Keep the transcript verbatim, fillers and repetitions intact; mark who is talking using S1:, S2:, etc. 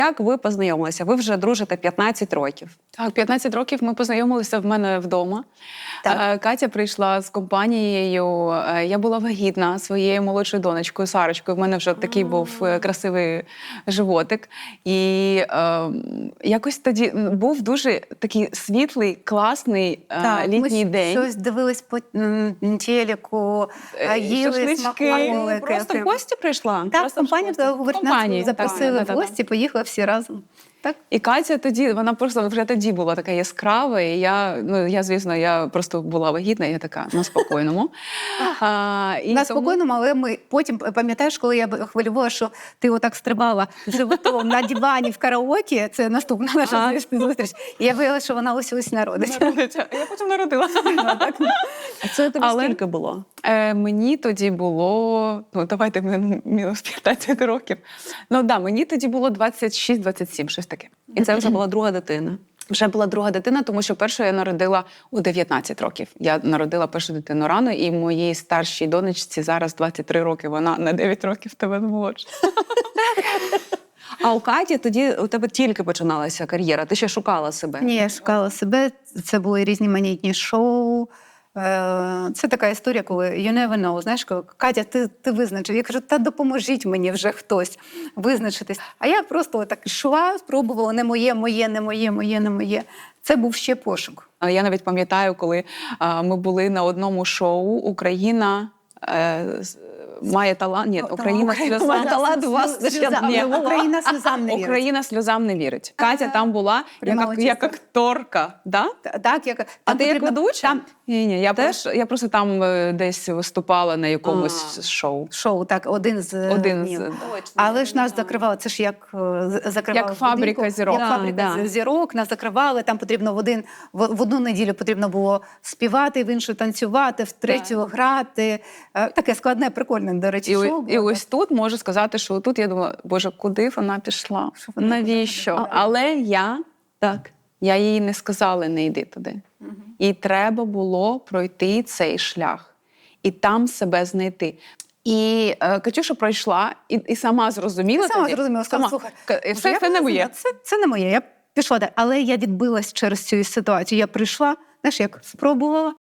S1: Як ви познайомилися? Ви вже дружите п'ятнадцять років.
S2: Так, п'ятнадцять років ми познайомилися в мене вдома.
S1: Так.
S2: Катя прийшла з компанією. Я була вагітна своєю молодшою донечкою Сарочкою. В мене вже такий був красивий животик. І е, якось тоді був дуже такий світлий, класний
S3: Так,
S2: літній
S3: ми
S2: день.
S3: щось дивились по м, телеку, а їли
S2: Шашлички.
S3: смаколики.
S1: Просто в гості прийшла?
S3: Так,
S1: Просто в
S3: компанія
S1: гості?
S3: говорить,
S2: Компанії,
S3: нас
S2: так,
S3: запросили
S2: так, так,
S3: в гості, поїхали всі разом. Так?
S2: І Катя тоді, вона просто вже тоді була така яскрава, і я, ну, я, звісно, я просто була вагітна, і я така на спокійному. а, і
S3: На
S2: тому-
S3: спокійному, але ми потім, пам'ятаєш, коли я хвилювала, що ти отак стрибала животом на дивані в караоке, це наступна наша зустріч, і я виявила, що вона ось ось народить.
S2: Народиться. Я потім народила.
S1: А це тобі
S2: Але-
S1: скільки було?
S2: Е, мені тоді було, ну давайте ми мінус п'ятнадцять років. Ну да, мені тоді було двадцять шість двадцять сім, щось таке.
S1: І це вже була друга дитина.
S2: Вже була друга дитина, тому що першу я народила у дев'ятнадцять років. Я народила першу дитину рано, і моїй старшій донечці зараз двадцять три роки. Вона на дев'ять років тебе молодша.
S1: А у Каті тоді у тебе тільки починалася кар'єра, ти ще шукала себе.
S3: Ні, я шукала себе, це були різноманітні шоу. Е, Це така історія, коли you never know, знаєш, коли Катя, ти, ти визначив. Я кажу, та допоможіть мені вже хтось визначитись. А я просто так йшла, спробувала, не моє, моє, не моє, моє, не моє. Це був ще пошук.
S2: А Я навіть пам'ятаю, коли а, ми були на одному шоу «Україна е, з- має талант». Ні, «Україна сльозам».
S1: має талант, у вас
S3: Сльозам
S1: ще
S3: не
S1: не
S3: було. Україна сльозам не вірить.
S2: «Україна сльозам не вірить». Катя там була як,
S3: Пряма
S2: ак-
S3: участь.
S2: як акторка, да?
S3: Та- Так, як,
S1: А
S3: там
S1: ти як
S3: потрібно-
S1: ведуча?
S3: Там
S2: Ні, ні, я просто, я просто там е, десь виступала на якомусь
S1: А.
S2: шоу.
S3: шоу, так, один з
S2: Один
S3: днів.
S2: з
S3: Але ж нас закривали, це ж як е, з- закривали
S2: Як фабрика
S3: будинку,
S2: зірок.
S3: Як
S1: Да,
S3: фабрика
S1: да.
S3: зірок, нас закривали, там потрібно в, один, в, в одну неділю потрібно було співати, в іншу танцювати, в третю грати. Е, Таке складне, прикольне, до речі,
S2: І,
S3: шоу.
S2: о- і
S3: було.
S2: ось тут можу сказати, що тут я думала, боже, куди вона пішла?
S3: вона
S2: Навіщо?
S3: туди?
S2: Але я,
S1: Так.
S2: я їй не сказала, не йди туди. І треба було пройти цей шлях. І там себе знайти. І е, Катюша пройшла і, і сама зрозуміла.
S3: Я сама
S2: тоді,
S3: зрозуміла, сказала,
S2: сама,
S3: слухай,
S2: Ка-
S3: може,
S2: все
S3: я
S2: це не
S3: повинна-
S2: моє.
S3: Це, це не моє. Я пішла далі. Але я відбилась через цю ситуацію. Я прийшла, знаєш, як спробувала,